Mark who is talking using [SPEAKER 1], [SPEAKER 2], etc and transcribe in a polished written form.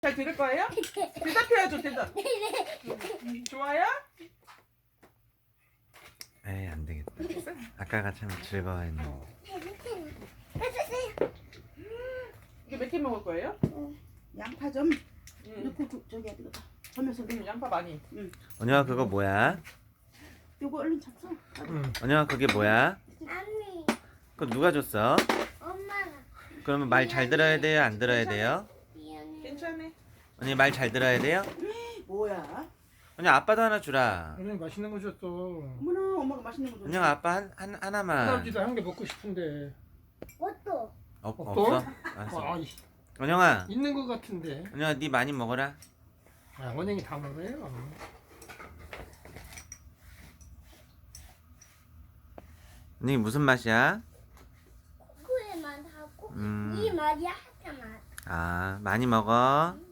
[SPEAKER 1] 잘 들을 거예요? 대답해야죠, 대답. 좋아요?
[SPEAKER 2] 에이, 안 되겠다. 아까가 참 즐거워했는데.
[SPEAKER 1] 이게 몇 개 먹을 거예요?
[SPEAKER 3] 양파 좀 넣고 저기 어디 가. 점에서
[SPEAKER 1] 양파 많이.
[SPEAKER 2] 언영아, 그거 뭐야?
[SPEAKER 3] 요거 얼른 잡숴.
[SPEAKER 2] 언영아, 그게 뭐야?
[SPEAKER 4] 언니,
[SPEAKER 2] 그거 누가 줬어?
[SPEAKER 4] 엄마가
[SPEAKER 2] 그러면 말 잘 들어야 돼요? 안 들어야 돼요?
[SPEAKER 4] 미안해.
[SPEAKER 1] 괜찮아.
[SPEAKER 2] 언니 말 잘 들어야 돼요?
[SPEAKER 3] 뭐야?
[SPEAKER 2] 언니 아빠도 하나 주라.
[SPEAKER 5] 언니 맛있는 거 줬어.
[SPEAKER 3] 어머나 엄마가 맛있는 거 줬어.
[SPEAKER 2] 언영 아빠 하나만.
[SPEAKER 5] 할아버지도 한 개 먹고 싶은데.
[SPEAKER 4] 옷도
[SPEAKER 2] 없어?
[SPEAKER 5] 아,
[SPEAKER 2] 알았어.
[SPEAKER 5] 이-
[SPEAKER 2] 언영아,
[SPEAKER 5] 있는 거 같은데.
[SPEAKER 2] 언영아, 네 많이 먹어라.
[SPEAKER 5] 아, 원영이 다 먹어요.
[SPEAKER 2] 언니 무슨 맛이야?
[SPEAKER 4] 코코의 맛하고
[SPEAKER 2] 음.
[SPEAKER 4] 이 맛이 하트 맛.
[SPEAKER 2] 아, 많이 먹어.